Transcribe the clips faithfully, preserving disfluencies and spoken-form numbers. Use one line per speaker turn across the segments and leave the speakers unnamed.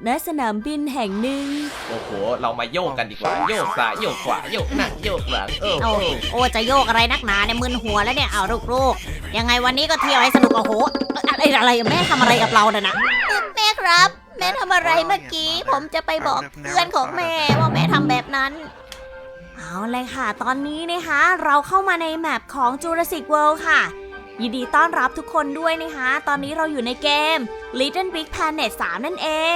ณสนามบินแห่งหนึ่ง
โอ้โหเรามาโยกกันดีกว่าโยกซ้ายโยกขวาโยกหน้าโยกหลังเออ
โอ้โอ้จะโยกอะไรนักหนาเนี่ยมึนหัวแล้วเนี่ยเอาลูกๆยังไงวันนี้ก็เที่ยวให้สนุกโอ้โหอะไรอะไรแม่ทำอะไรกับเราเนี่ยนะแม่ครับแม่ทำอะไรเมื่อกี้ผมจะไปบอกเพื่อนของแม่ว่าแม่ทำแบบนั้น
เอาเลยค่ะตอนนี้นะคะเราเข้ามาในแมปของ Jurassic World ค่ะยินดีต้อนรับทุกคนด้วยนะคะตอนนี้เราอยู่ในเกม Little Big Planet สามนั่นเอง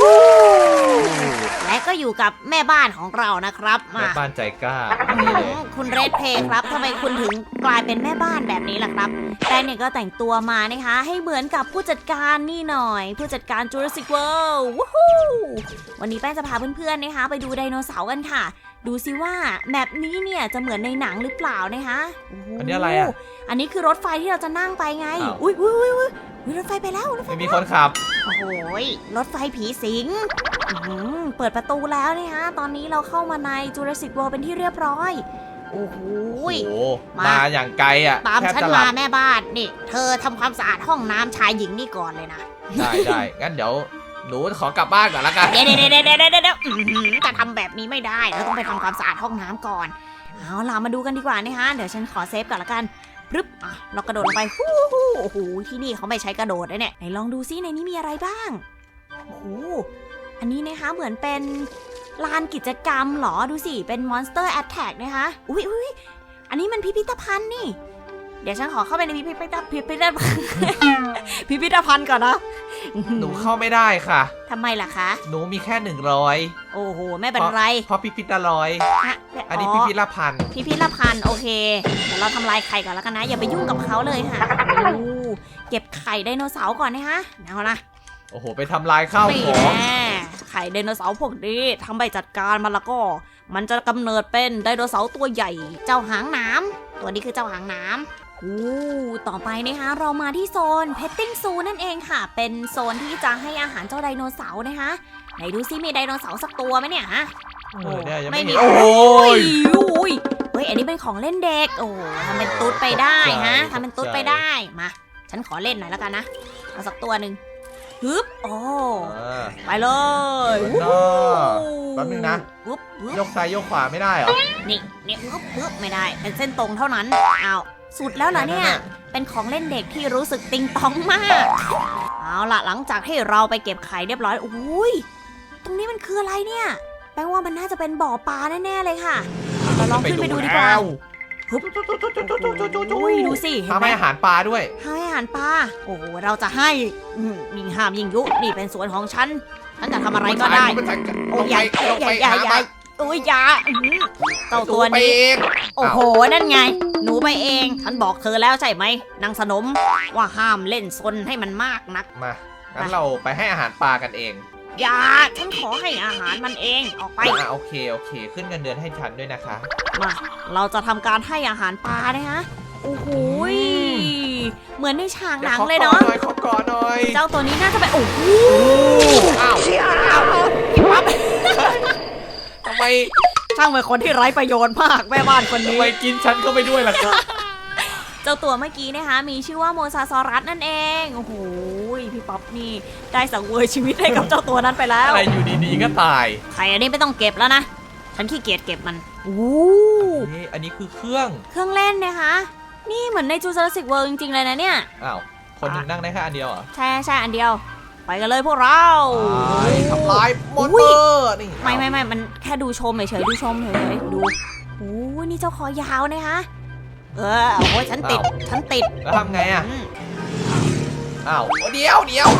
และก็อยู่กับแม่บ้านของเรานะครับ
แม่บ้านใจกล้า
คุณเรดเพย์ครับทำไมคุณถึงกลายเป็นแม่บ้านแบบนี้ล่ะครับ
แป้งเนี่ยก็แต่งตัวมานะคะให้เหมือนกับผู้จัดการนี่หน่อยผู้จัดการ Jurassic World วู้ฮู้วันนี้แป้งจะพาเพื่อนๆนะคะไปดูไดโนเสาร์กันค่ะดูซิว่าแมปนี้เนี่ยจะเหมือนในหนังหรือเปล่านะคะ
อันนี้อะไรอ่ะ
อันนี้คือรถไฟที่เราจะนั่งไปไงอุ้ยอุ้ยอุ้ยอุ้ยรถไฟไปแล้วรถไฟ
ไม่มีคนขับ
โอ้โห
รถไฟผีสิงเปิดประตูแล้วนะคะตอนนี้เราเข้ามาใน Jurassic World เป็นที่เรียบร้อย
โอ้โห
มาอย่างไกลอ่ะ
ตามฉันมาแม่บ้านนี่เธอทำความสะอาดห้องน้ำชายหญิงนี่ก่อนเลยนะ
ได้ได้งั้นเดี๋ยวหนูขอกลับบ้านก่อนละกัน
เดี๋ยวเดี๋ยวเดี๋ยวเดี๋ยวเดี๋ยวจะทำแบบนี้ไม่ได้เราต้องไปทำความสะอาดห้องน้ำก่อน
เอาล่ะมาดูกันดีกว่านะคะเดี๋ยวฉันขอเซฟก่อนละกันปึ๊บอ่ะเรากระโดดลงไปฮู้ฮู้โอ้โหที่นี่เขาไม่ใช้กระโดดเลยเนี่ยไหนลองดูซิในนี้มีอะไรบ้างโอ้โหอันนี้นะคะเหมือนเป็นลานกิจกรรมหรอดูสิเป็น Monster Attack นะคะอุ้ยอุ้ยอันนี้มันพิพิธภัณฑ์นี่เดี๋ยวฉันขอเข้าไปในพิพิธพิพิธภัณฑ์พิพิธภัณฑ์ก่อนนะ
หนูเข้าไม่ได้ค่ะ
ทำไมล่ะคะ
หนูมีแค่หนึ่งร้อย
โอ้โหไม่เป็นไร
เพราะพิพิธร้อยอันนี้พิพิธภัณฑ์
พิพิธภัณฑ์โอเคเดี๋ยวเราทำลายไข่ก่อนแล้วกันนะอย่าไปยุ่งกับเขาเลยค่ะ
เก็บไข่ไดโนเสาร์ก่อนนะคะเอาละ
โอ้โหไปทำลายข้าวของ
ไข่ไดโนเสาร์พวกนี้ทำไปจัดการมันแล้วก็มันจะกำเนิดเป็นไดโนเสาร์ตัวใหญ่
เจ้าหางน้ำตัวนี้คือเจ้าหางน้ำ
อู้ต่อไปนะคะเรามาที่โซน Petting Zoo นั่นเองค่ะเป็นโซนที่จะให้อาหารเจ้าไดโนเสาร์นะคะไหนดูซิมีไดโนเสาร์สักตัวไหมเนี่ยฮะ
ไม่มีโอ้
ยเฮ้ยอันนี้เป็นของเล่นเด็กโอ้ทำเป็นตุ๊ดไปได้ฮะทำเป็นตุ๊ดไปได้มาฉันขอเล่นหน่อยแล้วกันนะเอาสักตัวหนึ่งฮึบโอ้ไปเลย
แป๊บนึงนะยกซ้ายยกขวาไม่ได้เหรอ
นี่นี่ฮึบฮึบไม่ได้เป็นเส้นตรงเท่านั้นเอาสุดแล้วเหรอเนี่ยเป็นของเล่นเด็กที่รู้สึกติงตองมากเอาล่ะหลังจากที่เราไปเก็บไข่เรียบร้อยอุ้ยตรงนี้มันคืออะไรเนี่ยแปลว่ามันน่าจะเป็นบ่อปลาแน่ๆเลยค่ะเราลองขึ้นไปดูดีกว่าอุ้ยดูสิ
ทำให้อาหารปลาด้วย
ให้อาหารปลาโอ้โหเราจะให้ยิ่งห้ามยิ่งยุนี่เป็นสวนของฉันฉันจะทำอะไรก็ได้โอ้ยใหญ่ใหญ่ใหญ่ใหญ่โอ้ยยาเจ้าตัวนี้โอ้โหนั่นไงหนูไปเองฉันบอกเธอแล้วใช่ไหมนางสนมว่าห้ามเล่นซนให้มันมากนัก
มางั้นเราไปให้อาหารปลากันเอง
อย่าฉันขอให้อาหารมันเองออกไป
อ่ะโอเคโอเคขึ้นเงินเดือนให้ฉันด้วยนะคะ
มาเราจะทำการให้อาหารปลานะฮะโอ้โหเหมือนในฉากหนังเลยเนาะ
ขอกอดหน่อย
เจ้าตัวนี้น่าจะไปโอ้โห
อ้าวทำไม
ช่างเป็นคนที่ไร้ประโยชน์มากแม่บ้านคนนี้
ทำไมกินฉันเข้าไปด้วยล่ะครับ
เจ้าตัวเมื่อกี้นะคะมีชื่อว่าโมซาซอรัสนั่นเองโอ้โหพี่ป๊อปนี่ได้สังเวยชีวิตให้กับเจ้าตัวนั้นไปแล้ว
อะไรอยู่ดีๆก็ตาย
ไข่อันนี้ไม่ต้องเก็บแล้วนะฉันขี้เกียจเก็บมันโอ้
อันนี้คือเครื่อง
เครื่องเล่นนะคะนี่เหมือนใน Jurassic World จริงๆเลยนะเนี่ย
อ้าวคนหนึ่งนั่งได้แค่อันเดียวเหรอ
ใช่ใช่อันเดียวไปกันเลยพวกเรา
ทำลายมอนเตอร์นี่
ไม่ไม่ไม่มันแค่ดูชมเฉยๆดูชมเฉยๆดูโอ้นี่เจ้าคอยาวนะคะเออโอ้ยฉันติดฉันติด
แล้วทำไงอ่ะอ้าวเดี๋ยวเดี๋ยว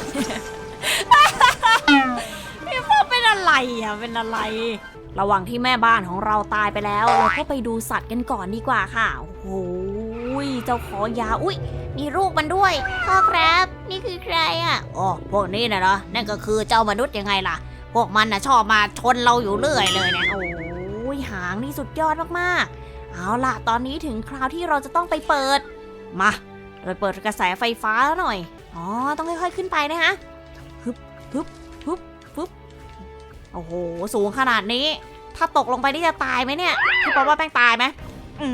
พี่พ่อเป็นอะไรอ่ะเป็นอะไรระหว่างที่แม่บ้านของเราตายไปแล้วเราก็ไปดูสัตว์กันก่อนดีกว่าค่ะโอ้โหเจ้าคอยาวอุ้ยมีลูกมันด้วยพ่อครับนี่คือใครอ่ะอ๋อพวกนี้นะเนาะนั่นก็คือเจ้ามนุษย์ยังไงล่ะพวกมันน่ะชอบมาชนเราอยู่เรื่อยเลยเนี่ยโอ้ยหางนี่สุดยอดมากๆเอาล่ะตอนนี้ถึงคราวที่เราจะต้องไปเปิดมาเราเปิดกระแสไฟฟ้าหน่อยอ๋อต้องค่อยๆขึ้นไปนะคะฮึบฮึบฮึบฮึบโอ้โหสูงขนาดนี้ถ้าตกลงไปนี่จะตายไหมเนี่ยพี่ป๊อปว่าแป้งตายไหมอืม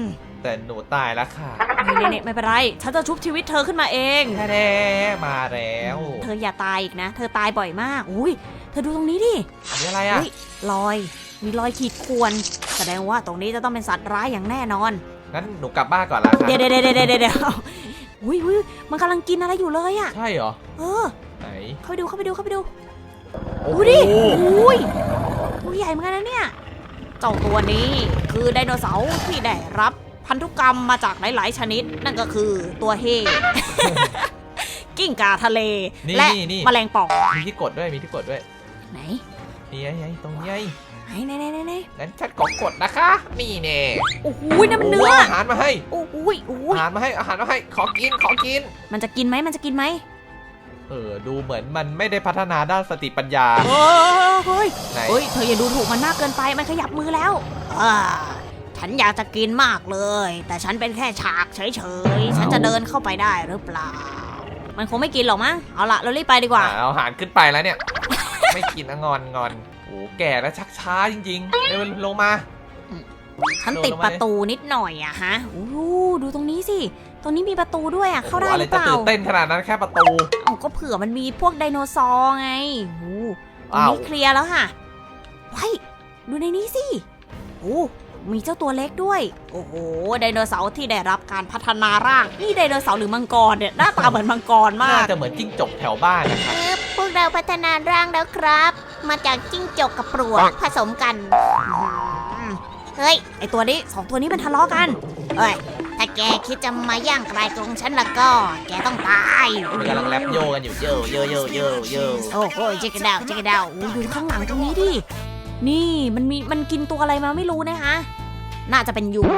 แต่หนูตายแล้วค่ะ
นี่นี่ไม่เป็นไร ฉันจะชุบชีวิตเธอขึ้นมาเอง
แท้ๆมาแล้ว
เธออย่าตายอีกนะ เธอตายบ่อยมาก อุ้ย เธอดูตรงนี้ดิ
อันนี้อะไรอ่ะ
อุ๊ยรอย มีรอยขีดข่วน แสดงว่าตรงนี้จะต้องเป็นสัตว์ร้ายอย่างแน่นอน
งั้นหนูกลับบ้านก่อนละค่ะ
เดี๋ยวเดี๋ยวเดี๋ยวเดี๋ยวเดี๋ยวอุ้ยอุ้ยมันกำลังกินอะไรอยู่เลยอะ
ใช่เหรอ
เออ
ไหน
เข้าไปดู เข้าไปดู เข้าไปดู
โอ้
ดู
โห
ดิอุ้ยตัวใหญ่เหมือนกันนะเนี่ย เจ้าตัวนี้คือไดโนเสาร์ที่ได้รับพันธุกรรมมาจากหลาย ๆ ชนิด นั่นก็คือตัวเฮ กิ้งก่าทะเล
นี่
และ
นี่นี่
แมลงป่อง
มีที่กดด้วยมีที่กดด้วย
ไหน
นี่ไงไงตรงนี้ไง
ไหนไหนไหนไหนไหน
งั้นฉันขอกดนะคะ นี่แน่
โอ้โหนั่นมันเนื้อ
โอาหารมาให้
โอ้โหโอ้โห
อาหารมาให้อาหารมาให้ขอกินขอกิน
มันจะกินไหมมันจะกินไหม
เออดูเหมือนมันไม่ได้พัฒนาด้านสติปัญญา
เออเฮ้ย
ไหน
เฮ้ย เธออย่าดูถูกมันมากเกินไป มันขยับมือแล้วอ่าฉันอยากจะกินมากเลย แต่ฉันเป็นแค่ฉากเฉยๆ ฉันจะเดินเข้าไปได้หรือเปล่า มันคงไม่กินหรอกมั้ง เอาละเรารีบไปดีกว่า
อ่ะเอาอาหารขึ้นไปแล้วเนี่ย ไม่กินอะงอนงอนโอ้แก่แล้วชักช้าจริงๆเร็วลงมา
ฉันติดประตูนิดหน่อยอะฮะโอ้โหดูตรงนี้สิ ตรงนี้มีประตูด้วยอะเข้าได้
โอ้โห
ห
อะไร
รือเป
จะ
ล่า
ตื่นเต้นขนาดนั้นแค่ประตู
เอาก็เผื่อมันมีพวกไดโนเสาร์ไงโอ้โหตรง
อ้าว
นี้เคลียร์แล้วค่ะไว้ดูในนี้สิโอ้มีเจ้าตัวเล็กด้วย โอ้โห ไดโนเสาร์ที่ได้รับการพัฒนาร่าง นี่ไดโนเสาร์หรือมังกรเนี่ย หน้าตาเหมือนมังกรมา
น่าก จะเหมือนจิ้งจกแถวบ้านนะครับ
เออพวกเราพัฒนาร่างแล้วครับ มาจากจิ้งจกกับปลวกผสมกัน เฮ้ย
ไอตัวนี้สองตัวนี้มันทะเลาะกัน
เอ้ย ถ้าแกคิดจะมาย่างกลายกรงฉันแล้วก็ แกต้องตาย
มันกำลังแรปโยกันอยู่เยอะเยอะเยอะเยอะเยอะ
โอ้โหจิกกระดาวจิกกระดาว
โอ้ดูข้างหลังตรงนี้ดิ นี่มันมีมันกินตัวอะไรมาไม่รู้นะคะ น่าจะเป็นยุง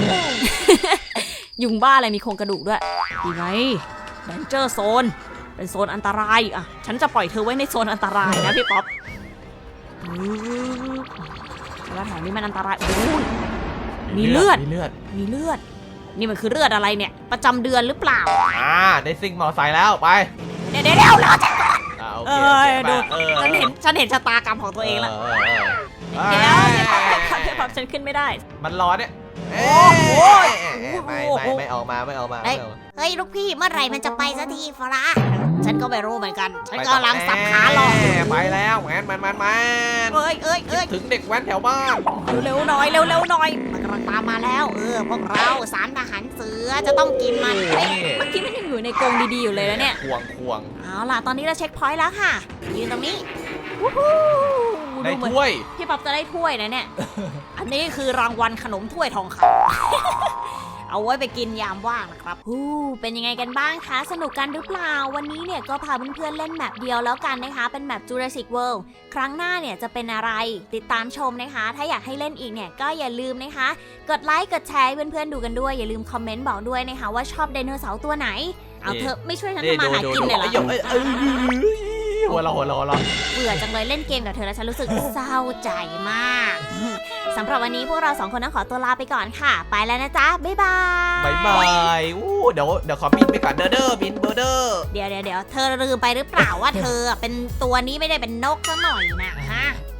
ยุงบ้าอะไรมีโครงกระดูกด้วยดีไงแดนเจอร์โซน เป็นโซนอันตรายอ่ะ ฉันจะปล่อยเธอไว้ในโซนอันตรายนะพี่ป๊อปแล้วแถวนี้มันอันตรายโอ้ยมีเลือด
มีเลือด
มีเลือด นี่มันคือเลือดอะไรเนี่ย ประจำเดือนหรือเปล่า
อ่าได้ซิ่งมอไซค์แล้วไป
เดี๋ยวเดี๋ยวเดี๋ยวรอฉัน
อ่าโอ
เอ
เค
อ
เจ็บ
ดู
ปะเออ
ฉันเห็นฉันเห็นชะตากรรมของตัวเองแล้ว
เออเออเออ
เดี๋ยวพี่ป๊อปพี่ป๊อปพี่ป๊อปฉันขึ้นไม่ได้
มันร้อนเนี่ย
โอ้โห
ไม่ไม่ไม่ออกมาไม่ออกมา
เฮ้ย
ไม่ออกมา
เฮ้ย ลูกพี่เมื่อไหร่มันจะไปสักทีฟราฉันก็ไม่รู้เหมือนกัน ฉันกำลังสับขาหลอก
ไปแล้วแมนแมนแมนแมน
เอ้ยเอ้ย
คิ
เอ้
ด
ย
ถึงเด็กแว้นแถวบ้าน
เร็วๆหน่อยเร็วๆหน่อย
มันกำลังตามมาแล้ว เออ พวกเราสามทหารเสือจะต้องกินมัน
นี่
เฮ้ย
เมื่อกี้มันยังอยู่ในกรงดีๆอยู่เลยแล้วเนี่ย
ควงควง
เอาล่ะ ตอนนี้เราเช็คพอยต์แล้วค่ะ
ยืนตรงนี้
วู้ฮู้
ใน
ดูเหมือน
ถ้วย
พี่ป๊อปจะได้ถ้วยนะเนี่ย อันนี้คือรางวัลขนมถ้วยทองคำ เอาไว้ไปกินยามว่างนะครับฮู้เป็นยังไงกันบ้างคะ สนุกกันหรือเปล่า วันนี้เนี่ยก็พาเพื่อนๆเล่นแมปเดียวแล้วกันนะคะ เป็นแมป Jurassic World ครั้งหน้าเนี่ยจะเป็นอะไร ติดตามชมนะคะ ถ้าอยากให้เล่นอีกเนี่ยก็อย่าลืมนะคะ กดไลค์ กดแชร์ให้เพื่อนๆดูกันด้วย อย่าลืมคอมเมนต์บอกด้วยนะคะว่าชอบไดโนเสาร์ตัวไหน เอาเถอะไม่ช่วยฉัน
นี่
ทำมา
ดู
หา
ดู
กิน
ดู
เลยเหร
ไอ้
อ
หยกเอ้ยเอ้ยหัวเราะหัวเราะหัวเราะ
เบื่อจังเลยเล่นเกมกับเธอแล้วฉันรู้สึก เศร้าใจมาก สำหรับวันนี้พวกเราสองคนต้องขอตัวลาไปก่อนค่ะ ไปแล้วนะจ๊ะ บ๊ายบาย
บายบายอู้เดี๋ยวเดี๋ยวขอบินไปก่อนเด้อเด้อบินเบอร์เด้อ
เดี๋ยวเดี๋ยวเดี๋ยวเธอลืมไปหรือเปล่าว่าเธอเป็นตัวนี้ไม่ได้เป็นนกซะหน่อยนะฮะ